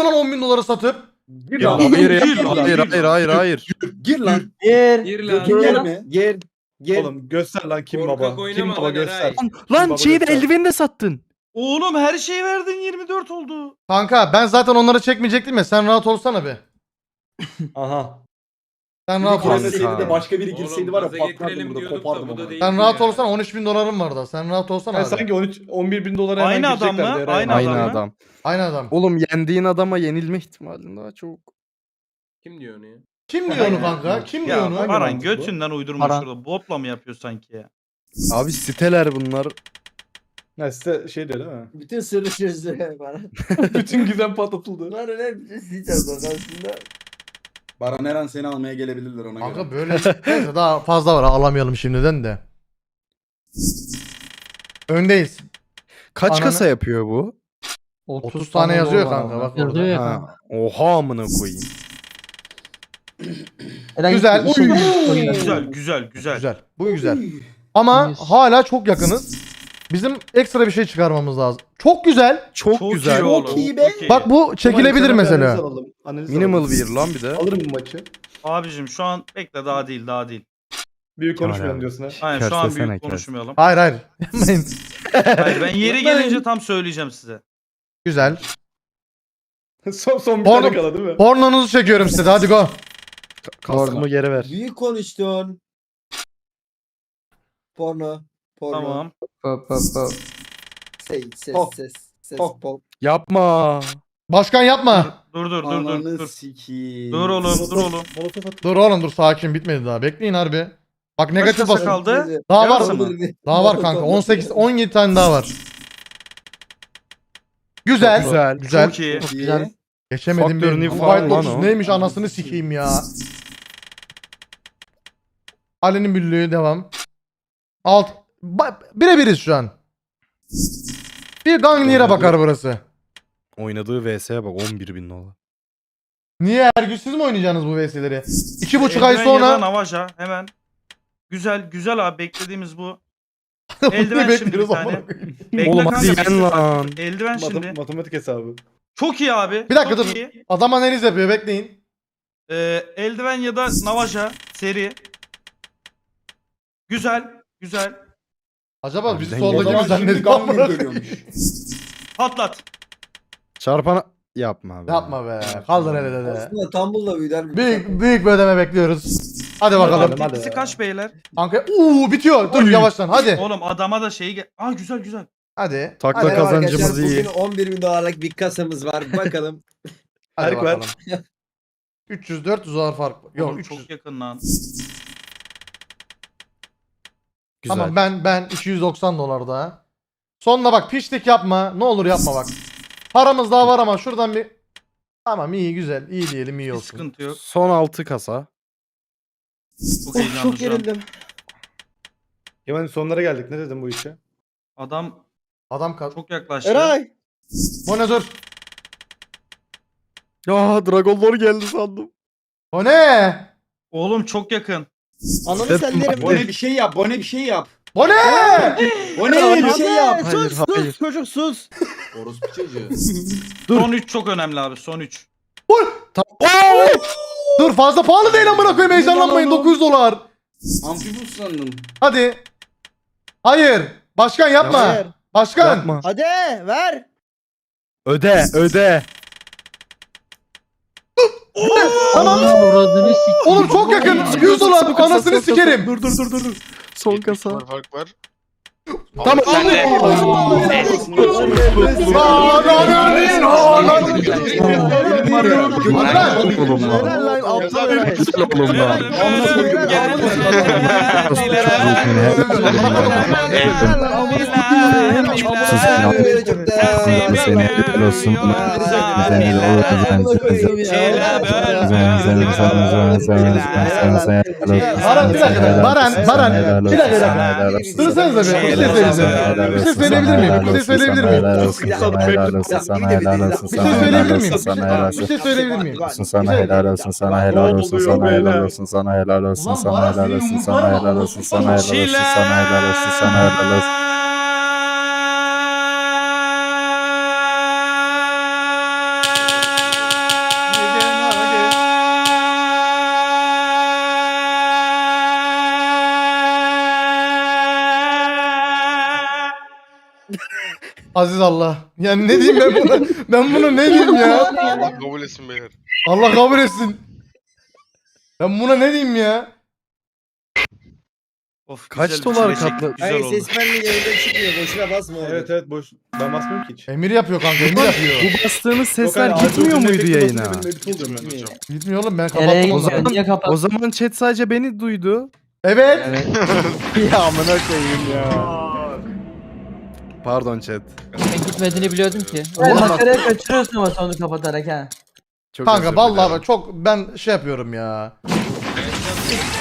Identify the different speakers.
Speaker 1: gidiyor lan 10 bin dolara satıp?
Speaker 2: Gir
Speaker 3: Ya
Speaker 2: lan.
Speaker 3: hayır.
Speaker 2: Gir lan.
Speaker 4: Gir lan.
Speaker 2: Gir mi?
Speaker 5: Gir.
Speaker 2: Oğlum göster lan kim
Speaker 4: Korkak
Speaker 2: baba.
Speaker 4: oynama
Speaker 2: Kim baba
Speaker 4: lan
Speaker 2: göster.
Speaker 4: Eray.
Speaker 3: Lan
Speaker 2: baba
Speaker 3: şeyi de
Speaker 2: göster.
Speaker 3: eldiveni de sattın.
Speaker 6: Oğlum her şeyi verdin 24 oldu.
Speaker 1: Kanka ben zaten onları çekmeyecektim ya. Sen rahat olsana be.
Speaker 2: Aha.
Speaker 1: Sen
Speaker 2: Bir
Speaker 1: rahat ol.
Speaker 3: Kanka.
Speaker 2: girseydi de başka biri
Speaker 4: Oğlum,
Speaker 2: girseydi var ya
Speaker 4: gaza
Speaker 2: patlardım
Speaker 4: getirelim
Speaker 2: burada
Speaker 4: diyorduk da
Speaker 2: kopardım
Speaker 4: bu da
Speaker 2: onu.
Speaker 4: değil.
Speaker 1: Sen rahat
Speaker 4: ya.
Speaker 1: olsana 13 bin dolarım var da. Sen rahat olsana
Speaker 2: Yani
Speaker 1: abi.
Speaker 2: sanki 11 bin dolara hemen
Speaker 6: Aynı adam
Speaker 2: gireceklerdi
Speaker 6: mı?
Speaker 2: Eray.
Speaker 6: Aynı
Speaker 3: Aynı
Speaker 6: adam mı?
Speaker 3: adam.
Speaker 1: Aynı adam.
Speaker 3: Oğlum yendiğin adama yenilme ihtimalin daha çok.
Speaker 4: Kim diyor onu ya?
Speaker 1: Kim diyor onu kanka? Kim diyor
Speaker 6: Ya
Speaker 1: onu?
Speaker 6: Baran
Speaker 2: mantıklı?
Speaker 6: götünden uydurma
Speaker 3: Baran.
Speaker 6: şurada. Botla mı yapıyor sanki ya?
Speaker 3: Abi siteler bunlar.
Speaker 2: Ha size şey diyor değil mi?
Speaker 5: Bütün sırrı çözdü bana.
Speaker 2: Bütün gizem patlatıldı.
Speaker 5: Bunlar öyle bir şey diyeceğim bak aslında.
Speaker 7: Baran Eren seni almaya gelebilirler ona göre.
Speaker 1: Kanka böyle neyse daha fazla var alamayalım şimdiden de. Öndeyiz.
Speaker 3: Kaç
Speaker 1: Ananı-
Speaker 3: kasa yapıyor bu?
Speaker 1: 30 tane yazıyor kanka bak
Speaker 8: Yazıyor
Speaker 1: orada.
Speaker 8: ya.
Speaker 3: Ha. Oha amına koyayım.
Speaker 1: Güzel.
Speaker 6: Güzel.
Speaker 1: Güzel. Bu güzel. Ama
Speaker 8: Yes.
Speaker 1: hala çok yakınız. Bizim ekstra bir şey çıkarmamız lazım. Çok güzel.
Speaker 3: Çok, güzel.
Speaker 6: iyi oğlum.
Speaker 5: iyi be.
Speaker 6: Çok iyi.
Speaker 1: Bak bu çekilebilir mesela.
Speaker 3: Minimal bir lan bir de.
Speaker 2: Alırım bu maçı.
Speaker 6: Abicim şu an bekle daha değil.
Speaker 2: Büyük
Speaker 3: Kemal
Speaker 2: konuşmayalım
Speaker 3: abi.
Speaker 2: diyorsun ha.
Speaker 6: Aynen şu an
Speaker 3: Kersesene
Speaker 6: büyük
Speaker 3: kes.
Speaker 6: konuşmayalım.
Speaker 1: Hayır hayır. Yapmayın.
Speaker 6: Hayır ben yeri gelince tam söyleyeceğim size.
Speaker 1: Güzel.
Speaker 2: son bir
Speaker 1: Porno-
Speaker 2: tane kala değil mi?
Speaker 1: Pornonuzu çekiyorum size. Hadi go.
Speaker 3: Kaskımı geri ver.
Speaker 5: Büyük konuştun. Porno.
Speaker 6: Tamam.
Speaker 5: Ses.
Speaker 2: Oh.
Speaker 5: Ses.
Speaker 2: Oh.
Speaker 5: Pop.
Speaker 3: Yapma.
Speaker 1: Başkan yapma.
Speaker 6: Dur.
Speaker 7: Ananı sikiyim.
Speaker 6: Dur oğlum.
Speaker 2: Molotof at.
Speaker 1: Dur oğlum dur sakin bitmedi daha. Bekleyin harbi. Bak negatif
Speaker 6: kasa
Speaker 1: basın.
Speaker 6: kaldı?
Speaker 1: Daha var
Speaker 6: Yarısı
Speaker 1: mı?
Speaker 6: mı?
Speaker 1: Daha var kanka. 18 17 tane daha var. Güzel.
Speaker 3: Güzel.
Speaker 1: Güzel.
Speaker 6: Çok iyi.
Speaker 5: Güzel.
Speaker 1: Geçemedim
Speaker 3: Faktör
Speaker 1: bir.
Speaker 3: new
Speaker 1: Bu
Speaker 3: falan
Speaker 1: White
Speaker 3: lan
Speaker 1: Lotus
Speaker 3: o.
Speaker 1: neymiş anasını sikeyim ya. Ali'nin büllüğü devam. Birebiriz şu an. Bir Gangnir'e bakar burası.
Speaker 3: Oynadığı VS'ye bak 11.000 dolar.
Speaker 1: Niye her gün siz mi oynayacaksınız bu VS'leri? 2,5 ay
Speaker 6: Eldiven ya da
Speaker 1: sonra
Speaker 6: Navaja hemen. Güzel abi beklediğimiz bu.
Speaker 1: Bunu
Speaker 6: Eldiven şimdi bir
Speaker 1: bekliyoruz
Speaker 6: tane.
Speaker 1: ama.
Speaker 6: Bekle
Speaker 3: Oğlum
Speaker 6: kanka,
Speaker 3: hadi
Speaker 6: bekle.
Speaker 3: yen lan.
Speaker 6: Eldiven şimdi.
Speaker 2: Matematik hesabı.
Speaker 6: Çok iyi abi.
Speaker 1: Bir dakika
Speaker 6: çok
Speaker 1: dur.
Speaker 6: iyi.
Speaker 1: Adam analiz yapıyor bekleyin.
Speaker 6: Eldiven ya da Navaja seri. Güzel.
Speaker 1: Acaba bizi
Speaker 3: Harbiden
Speaker 7: O
Speaker 1: soldaki mi
Speaker 7: zaman şimdi
Speaker 1: zannediyor?
Speaker 7: Gangnam görüyormuş.
Speaker 6: Patlat.
Speaker 3: Çarpana yapma abi.
Speaker 1: Yapma be. Kaldır hele de.
Speaker 5: Aslında Tumble'la büyüder.
Speaker 1: Büyük bir ödeme bekliyoruz. Hadi bakalım.
Speaker 2: Hadi.
Speaker 6: Tepkisi kaç beyler?
Speaker 1: Kanka bitiyor. Dur yavaştan hadi.
Speaker 6: Oğlum adama da şeyi güzel.
Speaker 1: Hadi.
Speaker 3: Takla
Speaker 1: Hadi,
Speaker 3: kazancımız iyi.
Speaker 5: Bugün 11.000 dolarlık bir kasamız var. Bakalım.
Speaker 1: hadi
Speaker 2: Fark var.
Speaker 1: bakalım. 300-400 dolar fark. Yok
Speaker 6: Oğlum
Speaker 1: 300.
Speaker 6: çok yakın lan.
Speaker 3: Güzel.
Speaker 1: Tamam ben 290 dolar daha. Sonuna bak piştik yapma. Ne olur yapma bak. Paramız daha var ama şuradan bir. Tamam iyi güzel. İyi diyelim iyi
Speaker 6: Bir
Speaker 1: olsun.
Speaker 6: sıkıntı yok.
Speaker 3: Son 6 kasa.
Speaker 6: Çok heyecanlı şu an.
Speaker 2: Kemal'in sonlara geldik. Ne dedim bu işe?
Speaker 6: Adam
Speaker 1: Adam kal.
Speaker 6: çok yaklaştı.
Speaker 5: Eray.
Speaker 1: Bu ne dur?
Speaker 3: Ya Dragon Lord geldi sandım.
Speaker 1: O ne?
Speaker 6: Oğlum çok yakın.
Speaker 5: Ananı sen derim.
Speaker 7: Bone bir şey yap. Bone bir şey yap.
Speaker 1: Bu ne?
Speaker 7: Bone
Speaker 5: Bir şey yap.
Speaker 3: Hayır, hayır.
Speaker 5: Çocuk sus.
Speaker 7: Orospu çocuğu.
Speaker 6: Son 3 çok önemli abi. Son 3.
Speaker 1: Dur fazla pahalı değil amına koyayım heyecanlanmayın 900 dolar.
Speaker 7: Amfibus sandım.
Speaker 1: Hadi. Hayır. Başkan yapma.
Speaker 5: Hayır.
Speaker 1: Başkan.
Speaker 3: Yapma.
Speaker 5: Hadi ver.
Speaker 3: Öde.
Speaker 1: Tamam.
Speaker 8: Uğradığını sikeyim.
Speaker 1: Oğlum çok yakın. 100 dolar anasını sikerim.
Speaker 3: Dur. Son kasa.
Speaker 9: Fark var.
Speaker 1: Tamam.
Speaker 3: Oğlum lan.
Speaker 5: Helal lan aptal Eray.
Speaker 3: Oğlum lan.
Speaker 5: Seni helal olsun.
Speaker 1: Baran bir dakika. Baran. Bir dakika. Dursanıza bir şey söyleyeceğim. Bir şey söyleyebilir miyim? Bir şey söyleyebilir miyim? Bir şey söyleyebilir miyim?
Speaker 3: Sana helal olsun, sana helal olsun, sana helal olsun, sana helal olsun, sana helal olsun, sana helal olsun, sana helal olsun, sana helal olsun, sana helal olsun.
Speaker 1: Aziz Allah. Yani ne diyeyim ben buna? Ben buna ne diyeyim ya?
Speaker 8: Allah kabul etsin beyler.
Speaker 1: Allah kabul etsin. Ben buna ne diyeyim ya?
Speaker 6: Of,
Speaker 3: Kaç
Speaker 6: güzel,
Speaker 3: dolar
Speaker 6: çilek
Speaker 3: katlı-
Speaker 6: Güzel
Speaker 5: Hayır
Speaker 6: oldu.
Speaker 5: ses benliği yayında çıkmıyor. Boşuna basma orada.
Speaker 2: Evet evet boş. Ben basmıyorum ki hiç.
Speaker 1: Emir yapıyor kanka, Emir yapıyor.
Speaker 3: Bu bastığımız
Speaker 2: Yok,
Speaker 3: sesler
Speaker 2: hayır,
Speaker 3: gitmiyor
Speaker 2: Arthur'un
Speaker 3: muydu
Speaker 2: efekti
Speaker 3: yayına?
Speaker 2: basınca benim edit oluyor
Speaker 8: Gitmiyor
Speaker 2: yani.
Speaker 8: hocam.
Speaker 1: Gitmiyor oğlum, ben
Speaker 9: Nereye
Speaker 1: kapattım
Speaker 3: O
Speaker 1: onları.
Speaker 9: gidiyor? Niye
Speaker 3: zaman,
Speaker 9: kapattın?
Speaker 3: o zaman chat sadece beni duydu.
Speaker 1: Evet.
Speaker 3: ya amına koyayım ya. Pardon chat.
Speaker 9: Ben gitmediğini biliyordum ki.
Speaker 3: Oğlum bak-
Speaker 9: Makaraya kaçırıyorsun ama sonu kapatarak ha.
Speaker 3: Çok
Speaker 1: Kanka
Speaker 3: özür
Speaker 1: vallahi
Speaker 3: dilerim.
Speaker 1: bak çok ben şey yapıyorum ya.